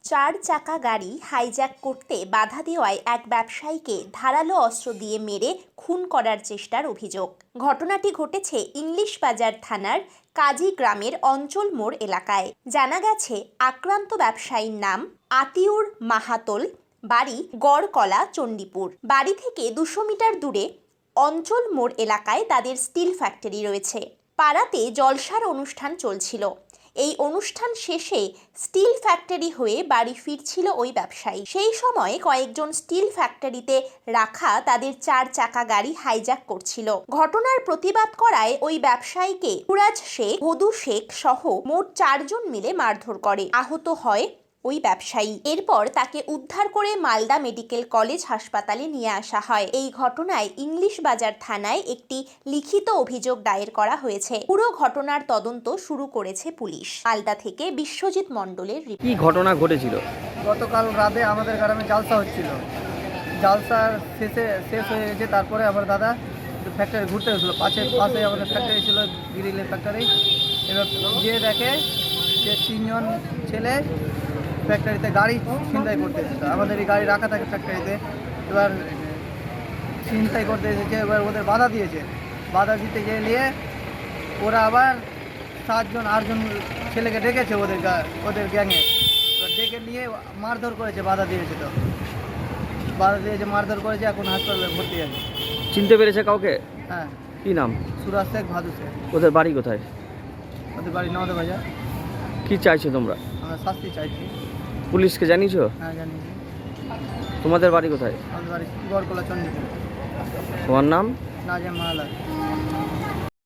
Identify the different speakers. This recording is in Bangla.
Speaker 1: চার চাকা গাড়ি হাইজ্যাক করতে বাধা দেওয়ায় এক ব্যবসায়ীকে ধারালো অস্ত্র দিয়ে মেরে খুন করার চেষ্টার অভিযোগ। ঘটনাটি ঘটেছে ইংলিশ বাজার থানার কাজী গ্রামের অঞ্চল মোড় এলাকায়। জানা গেছে, আক্রান্ত ব্যবসায়ীর নাম আতিউর মাহাতোল, বাড়ি গড়কলা, চণ্ডীপুর। বাড়ি থেকে 200 মিটার দূরে অঞ্চল মোড় এলাকায় তাদের স্টিল ফ্যাক্টরি রয়েছে। পাড়াতে জলসার অনুষ্ঠান চলছিল। এই অনুষ্ঠান শেষে স্টিল ফ্যাক্টরি হয়ে বাড়ি ফিরছিল ওই ব্যবসায়ী। সেই সময় কয়েকজন স্টিল ফ্যাক্টরিতে রাখা তাদের 4 চাকা গাড়ি হাইজ্যাক করছিল। ঘটনার প্রতিবাদ করায় ওই ব্যবসায়ীকে ফুরাজ শেখ, ভদু শেখ সহ মোট 4 জন মিলে মারধর করে। আহত হয় ওই ব্যবসায়ী। এরপর তাকে উদ্ধার করে মালদা মেডিকেল কলেজ হাসপাতালে নিয়ে আসা হয়। এই ঘটনায় ইংলিশ বাজার থানায় একটি লিখিত অভিযোগ দায়ের করা হয়েছে। পুরো ঘটনার তদন্ত শুরু করেছে পুলিশ। মালদা থেকে বিশ্বজিৎ মণ্ডলের রিপোর্ট।
Speaker 2: কি ঘটনা ঘটেছিল?
Speaker 3: গতকাল রাতে আমাদের গ্রামে জালসা হচ্ছিল। জালসা শেষ হয়ে গেছে। তারপরে আমার দাদা ফ্যাক্টরি ঘুরতে গেছিলো। পাশে আমাদের ফ্যাক্টরি ছিল, গ্রিলের ফ্যাক্টরি। এবার গিয়ে দেখে যে 3 জন ছেলে ফ্যাক্টরিতে গাড়ি ছিনতাই করতে এসেছে। আমাদের এই গাড়ি রাখা থাকে ফ্যাক্টরিতে। এবার ছিনতাই করতে এসেছে। এবার ওদের বাধা দিয়েছে। বাধা দিতে গিয়ে ওরা আবার 7 জন 8 জন ছেলেকে ডেকেছে ওদের গ্যাংয়ে। এবার ডেকে নিয়ে মারধর করেছে। বাধা দিয়েছে, মারধর করেছে। এখন হাসপাতালে ভর্তি আছে।
Speaker 2: চিনতে পেরেছে কাউকে?
Speaker 3: হ্যাঁ।
Speaker 2: কি নাম?
Speaker 3: সুরাজ শেখ, ভাদু শেখ।
Speaker 2: ওদের বাড়ি কোথায়?
Speaker 3: ওদের বাড়ি নওদা বাজার।
Speaker 2: কি চাইছো তোমরা?
Speaker 3: আমরা শাস্তি চাইছি।
Speaker 2: পুলিশকে জানিয়েছো?
Speaker 3: হ্যাঁ, জানি।
Speaker 2: তোমাদের বাড়ি কোথায়?
Speaker 3: আমাদের বাড়ি গড়কলা, চণ্ডীপুর।
Speaker 2: তোমার নাম?
Speaker 3: নাজেম মাহালা।